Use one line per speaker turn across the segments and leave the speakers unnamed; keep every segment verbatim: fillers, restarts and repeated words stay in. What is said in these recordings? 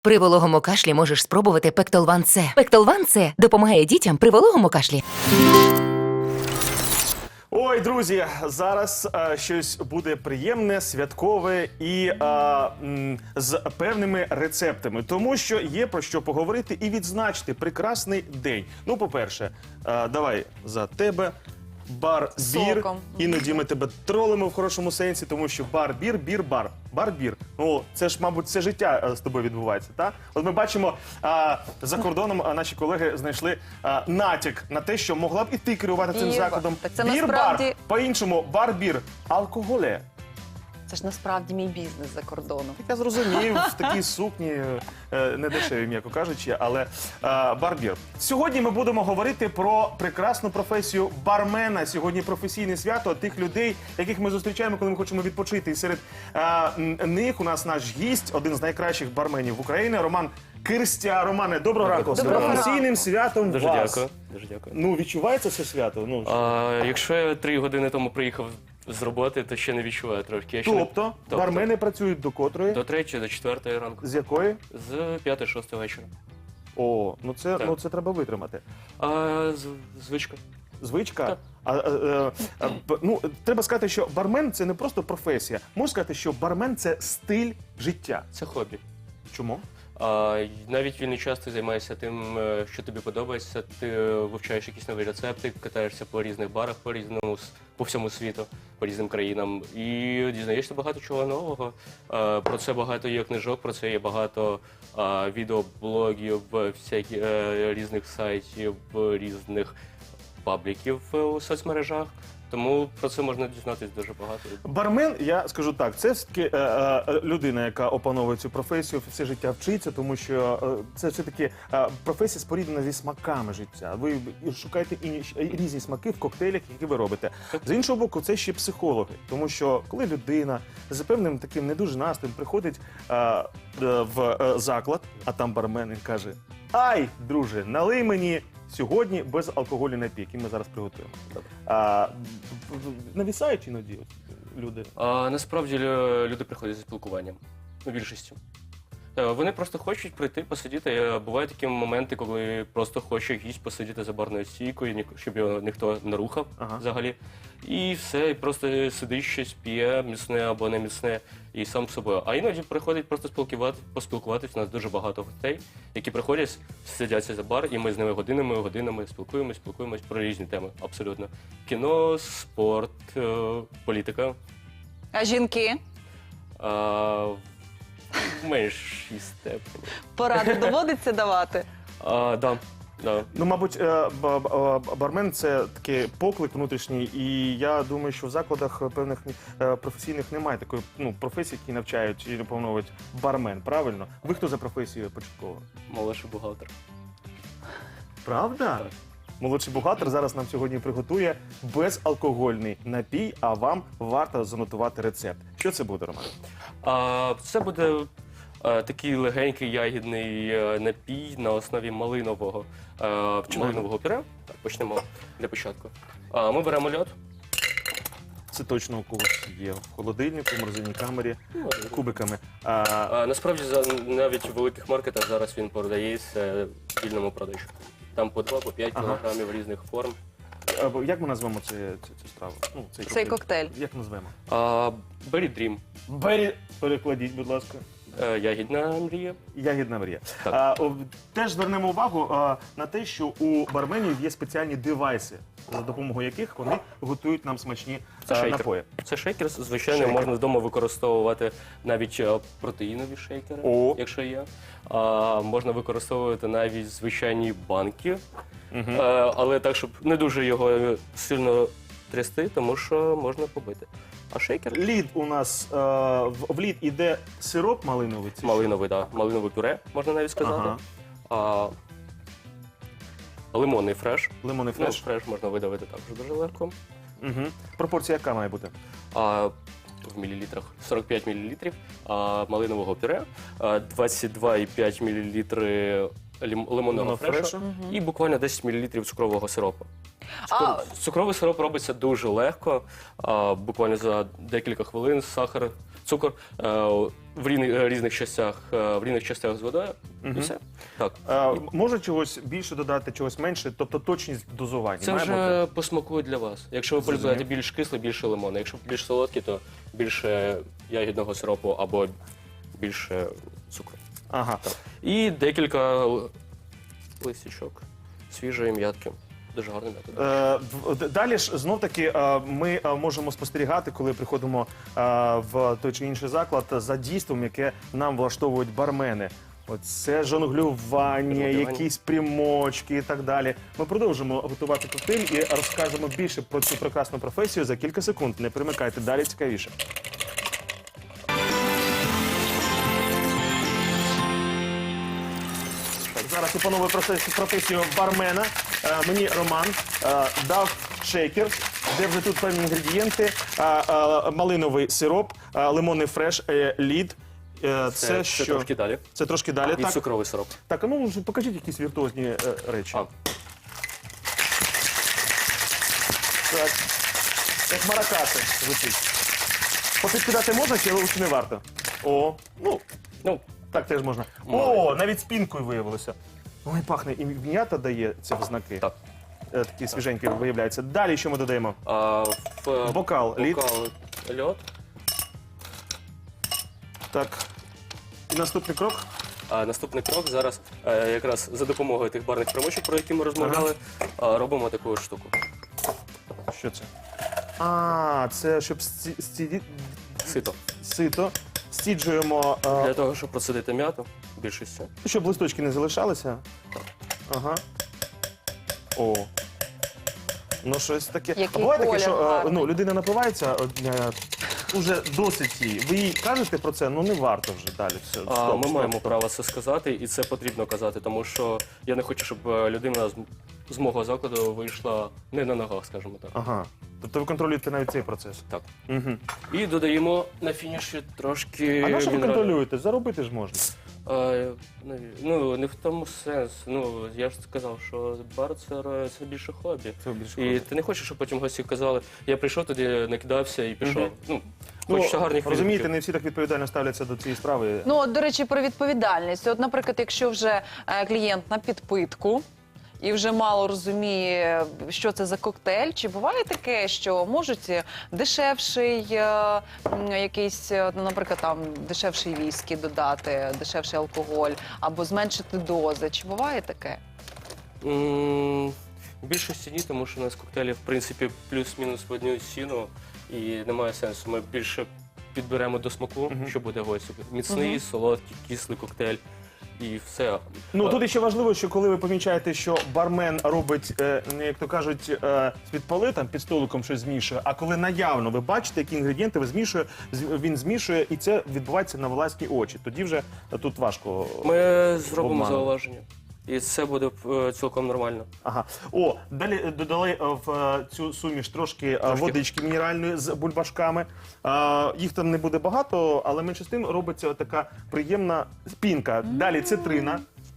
При вологому кашлі можеш спробувати Пектолван С. Пектолван С допомагає дітям при вологому кашлі.
Ой, друзі, зараз а, щось буде приємне, святкове і а, м, з певними рецептами. Тому що є про що поговорити і відзначити прекрасний день. Ну, по-перше, а, давай за тебе. Бар-бір.
Соком.
Іноді ми тебе тролимо в хорошому сенсі, тому що бар-бір, бір-бар. Бар-бір. Ну, це ж, мабуть, все життя а, з тобою відбувається, так? От ми бачимо, а, за кордоном а, наші колеги знайшли а, натяк на те, що могла б і ти керувати цим
Бір-бар.
закладом.
Так це
бір-бар.
насправді-
По-іншому, бар-бір. Алкоголе.
Це ж насправді мій бізнес за кордоном.
Я зрозумів, в такій сукні, е, не дешеві, м'яко кажучи, але е, бар-бір. Сьогодні ми будемо говорити про прекрасну професію бармена. Сьогодні професійне свято тих людей, яких ми зустрічаємо, коли ми хочемо відпочити. І серед е, м, них у нас наш гість, один з найкращих барменів України, Роман Кирстя. Романе, доброго ранку. З
Доброго
професійним
ранку.
святом
Дуже
вас.
дякую. Дуже дякую.
Ну, відчувається це свято? Ну,
А, якщо я три години тому приїхав з роботи, то ще не відчуваю трошки. Я ще не-
тобто, бармени працюють до котрої?
До третьої, до четвертої ранку.
З якої?
З п'ятої-шостої вечора.
О, ну це,
Так.
ну це треба витримати.
А, з- звичка.
Звичка?
Так.
А, а, а, а, б- ну, треба сказати, що бармен – це не просто професія. Можна сказати, що бармен – це стиль життя.
Це хобі.
Чому?
А, й- навіть вільний час ти займаєшся тим, е, що тобі подобається. Ти е, вивчаєш якісь нові рецепти, катаєшся по різних барах, по різному с- по всьому світу, по різним країнам. І дізнаєшся багато чого нового. Е, Про це багато є книжок, про це є багато е, відеоблогів, всяких е, різних сайтів, різних пабліків е, у соцмережах. Тому про це можна дізнатися дуже багато.
Бармен, я скажу так, це все-таки е, е, людина, яка опановує цю професію, все життя вчиться, тому що е, це все-таки е, професія споріднена зі смаками життя. Ви шукаєте інші, різні смаки в коктейлях, які ви робите. З іншого боку, це ще психологи, тому що коли людина за певним таким не дуже настроєм приходить е, е, в е, заклад, а там бармен і каже: «Ай, друже, налий мені сьогодні безалкогольний напій, який ми зараз приготуємо». А, б- б- навісають іноді от люди.
А насправді лю- люди приходять за спілкуванням. Ну, більшістю. Е, Вони просто хочуть прийти, посидіти. Е, Бувають такі моменти, коли просто хоче гість посидіти за барною стійкою, ні- щоб його ніхто не рухав
Ага.
взагалі. І все, і просто сидить щось, п'є, міцне або не міцне, і сам з собою. А іноді приходять просто спілкувати, поспілкуватися. У нас дуже багато гостей, які приходять, сидяться за бар, і ми з ними годинами, годинами спілкуємось, спілкуємось про різні теми. Абсолютно. Кіно, спорт, е, політика.
А жінки?
А, в меншій степені.
Поради доводиться давати?
А, да, да.
Ну, мабуть, е, ба- ба- бармен – це такий поклик внутрішній, і я думаю, що в закладах певних е, професійних немає такої ну, професії, які навчають і наповнюють бармен, правильно? Ви хто за професією початково?
Молодший бухгалтер.
Правда?
Так.
Молодший бухгалтер зараз нам сьогодні приготує безалкогольний напій, а вам варто занотувати рецепт. Що це буде, Роман?
А, це буде е, такий легенький ягідний е, напій на основі малинового, е, малинового пюре. Так, почнемо для початку. А, ми беремо льод.
Це точно у когось є в холодильнику, в морозильній камері, кубиками. А,
А, насправді за- навіть у великих маркетах зараз він продається в вільному продажу. Там по два, по п'ять
Ага.
кілограмів різних форм.
а, як ми назвемо цю, цю, цю страву? Ну, цей,
Цей коктейль.
Як назвемо?
А, Berry Dream.
Бері, перекладіть, будь ласка.
Е, ягідна мрія.
Ягідна мрія.
Так.
А, о, теж звернемо увагу а, на те, що у барменів є спеціальні девайси, за допомогою яких вони готують нам смачні
Це
а,
шейкер.
напої.
Це шейкер, звичайно,
Шейкер.
можна вдома використовувати навіть е, протеїнові шейкери,
О.
якщо є. А, можна використовувати навіть звичайні банки,
Мгм.
е, але так, щоб не дуже його сильно трясти, тому що можна побити. А шейкер
Лід у нас е, в, в лід іде сироп малиновий. це
малиновий, да, малинове пюре, можна навіть сказати.
Ага.
А, лимонний фреш.
що? Лимонний
Ну,
фреш.
фреш можна видавити також дуже легко.
Угу. Пропорція яка має бути?
А, в мілілітрах сорок п'ять мілілітрів а, малинового пюре, а, двадцять два і п'ять мілілітри лім- лимонного
Лимонного
фрешу
фрешу.
і буквально десять мілілітрів цукрового сиропу.
А-
Цукор- Цукровий сироп робиться дуже легко, а, буквально за декілька хвилин сахар, цукор, е, в різних, різних частях, е, в різних частях з водою,
Мгм.
і все. Так.
Е, може чогось більше додати, чогось менше, тобто точність дозування.
Це
має
вже
бути?
по смаку для вас. Якщо ви
Зрозумів.
полюбляєте більш кисле, більше лимону. Якщо більш солодкі, то більше ягідного сиропу або більше цукру.
Ага.
І декілька л- листячок свіжої м'ятки. Дуже гарний метод.
Е, в- д- Далі ж знов таки е, ми е, можемо спостерігати, коли приходимо е, в той чи інший заклад за дійством, яке нам влаштовують бармени. Оце жонглювання,
Жонглювання.
якісь примочки і так далі. Ми продовжимо готувати коктейль і розкажемо більше про цю прекрасну професію за кілька секунд. Не примикайте, далі цікавіше. Так, зараз опановую професію, професію бармена. Е, мені Роман е, дав шейкер, де вже тут певні інгредієнти. Е, е, малиновий сироп, е, лимонний фреш, е, лід. Е, це,
Це,
що?
це трошки далі.
Це трошки далі.
І
Так,
цукровий сироп.
так, а ну вже покажіть якісь віртуозні е, речі.
А.
Так. Як маракаси звучить. Попідкидати можна чи чи не варто? О, ну,
Ну,
так теж можна. О, навіть спінкою виявилося. Ой, пахне, і м'ята дає ці взнаки.
так.
Е, Такі свіженькі виявляються. Далі що ми додаємо?
А, в е,
Бокал, лід.
бокал льод.
Так. І наступний крок.
А наступний крок зараз е, якраз за допомогою тих барних примочок, про які ми розмовляли, е, робимо таку штуку.
Що це? А, це щоб сці- сці-
Сито.
сито. Стіджуємо, е,
Для того, щоб процедити м'яту, більшістю.
щоб листочки не залишалися. Ага. О. Ну, щось таке.
Який
а буває таке,
колір
що е,
гарний.
ну, людина напивається, е, уже досить її. Ви їй кажете про це, ну не варто вже далі. Все,
А
стоп,
ми
стоп,
маємо
стоп.
право це сказати, і це потрібно казати, тому що я не хочу, щоб е, людина з, з мого закладу вийшла не на ногах, скажімо так.
Ага. Тобто ви контролюєте навіть цей процес.
Так.
Угу.
І додаємо на фініші трошки.
А на що ви
мінералів.
контролюєте? Заробити ж можна.
Е, наві- Ну, не в тому сенс. Ну, я ж сказав, що бар це, ре- це більше хобі.
Це більше
І
хобі.
ти не хочеш, щоб потім гості казали, я прийшов туди, накидався і пішов.
Мгм.
Ну,
Ну,
хочеться гарних
розумієте,
відгуків.
не всі так відповідально ставляться до цієї справи.
Ну, от, до речі, про відповідальність. От, наприклад, якщо вже е, клієнт на підпитку і вже мало розуміє, що це за коктейль, чи буває таке, що можуть дешевший е, м, якийсь, е, ну, наприклад, там дешевший віскі додати, дешевший алкоголь, або зменшити дози. Чи буває таке?
М, В більшості ні, тому що у нас коктейлі, в принципі, плюс-мінус в одну ціну, і немає сенсу. Ми більше підберемо до смаку,
Мгм.
що буде гостю. Міцний, солодкий, кислий коктейль і все.
Ну
А,
тут ще важливо, що коли ви помічаєте, що бармен робить, е, ну, як то кажуть, е, з-під поли, там під столиком щось змішує, а коли наявно ви бачите, які інгредієнти ви змішує, з- він змішує, і це відбувається на власні очі. Тоді вже е, тут важко.
Ми зробимо
обману.
зауваження. І це буде е, цілком нормально.
Ага. О, далі е, додали е, в е, цю суміш трошки, е,
Трошки.
водички мінеральної з бульбашками. Е, Їх там не буде багато, але менше з тим робиться така приємна пінка. Далі цитрина.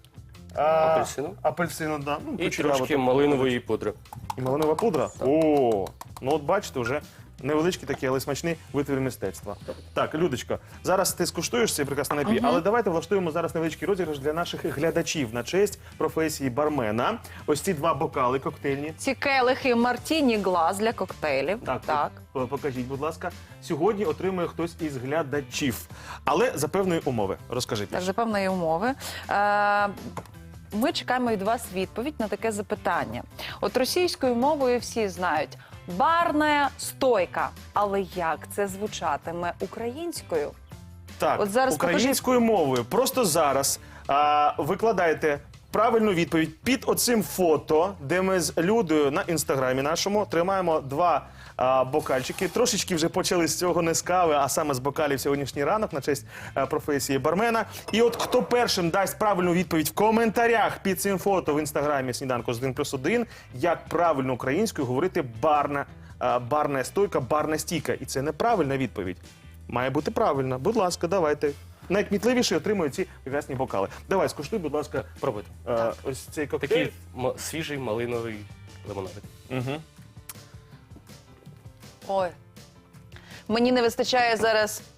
е,
Апельсину.
Апельсину, да. Ну,
І
кучеряво
трошки
так.
малинової пудри.
І малинова пудра? О, ну от бачите, вже невеличкий такий, але смачний витвір мистецтва. Так, Людочко, зараз ти скуштуєш цей прекрасний напій, але давайте влаштуємо зараз невеличкий розіграш для наших глядачів на честь професії бармена. Ось ці два бокали коктейльні.
Ці келихи Мартіні Глаз для коктейлів.
Так,
так.
по- покажіть, будь ласка. Сьогодні отримує хтось із глядачів, але за певної умови. Розкажіть.
Так, за певної умови. Е, Ми чекаємо від вас відповідь на таке запитання. От російською мовою всі знають барна стойка. Але як це звучатиме українською?
Так,
От зараз
українською мовою. Просто зараз а, викладаєте правильну відповідь під оцим фото, де ми з Людою на інстаграмі нашому тримаємо два а, бокальчики. Трошечки вже почали з цього не з кави, а саме з бокалів сьогоднішній ранок на честь а, професії бармена. І от хто першим дасть правильну відповідь в коментарях під цим фото в інстаграмі «Сніданку з один плюс один», як правильно українською говорити барна, а, барна стойка, барна стійка. І це неправильна відповідь. Має бути правильно. Будь ласка, давайте. Найкмітливіші отримують ці прекрасні бокали. Давай, скуштуй, будь ласка,
Пробуйте.
е, ось цей коктейль.
Такий м- свіжий малиновий лимонадик.
Угу.
Ой. Мені не вистачає зараз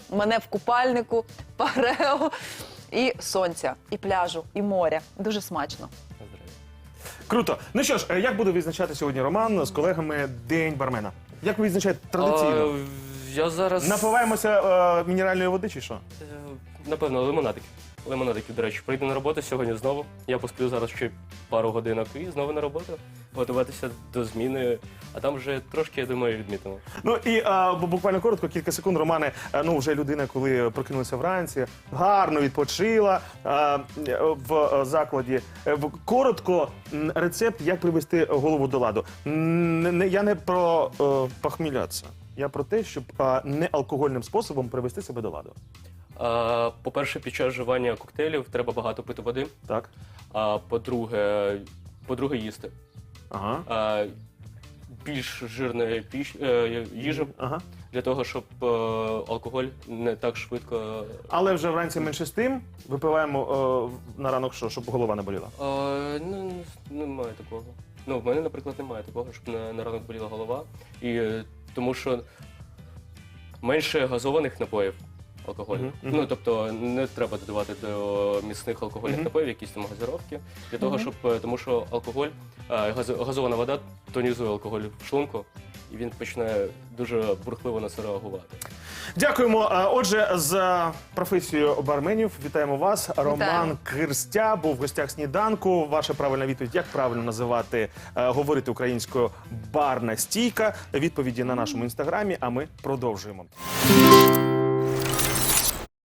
мене в купальнику, парео, і сонця, і пляжу, і моря. Дуже смачно.
Круто. Ну що ж, е, як буде відзначати сьогодні Роман з колегами День бармена? Як ви відзначаєте традиційно?
А, я зараз...
Напиваємося е, мінеральної води чи що?
Е, Напевно, лимонадики. Лимонадики, до речі, прийду на роботу сьогодні знову. Я посплю зараз ще пару годинок і знову на роботу. Готуватися до зміни, а там вже трошки, я думаю, відмітимо.
Ну і а, бу- буквально коротко, кілька секунд, Романе. е, Ну, вже людина, коли прокинулася вранці, гарно відпочила а, е, в е, закладі. Е, в- Коротко, м, рецепт, як привести голову до ладу. М, не- не- Я не про е, похмілятися. Я про те, щоб а, не алкогольним способом привести себе до ладу.
А, по-перше, під час вживання коктейлів треба багато пити води.
Так?
А по-друге, по-друге, їсти.
Ага.
А, більш жирної піч, е, їжі
Ага.
для того, щоб е, алкоголь не так швидко.
Але вже вранці менше з тим випиваємо е, на ранок що, щоб голова не боліла.
А, ну, немає такого. Ну, в мене, наприклад, немає такого, щоб на, на ранок боліла голова. І е, тому що менше газованих напоїв алкоголю.
Мгм, мгм.
Ну, тобто не треба додавати до міцних алкогольних
Мгм.
напоїв якісь там газировки. Для того, щоб, е, тому що алкоголь, е, газ, газована вода тонізує алкоголь в шлунку, і він починає дуже бурхливо на це реагувати.
Дякуємо. Е, Отже, за професією барменів вітаємо вас. Роман Кирстя був в гостях сніданку. Ваша правильна відповідь, як правильно називати, е, говорити українською барна стійка. Відповіді на нашому інстаграмі, а ми продовжуємо.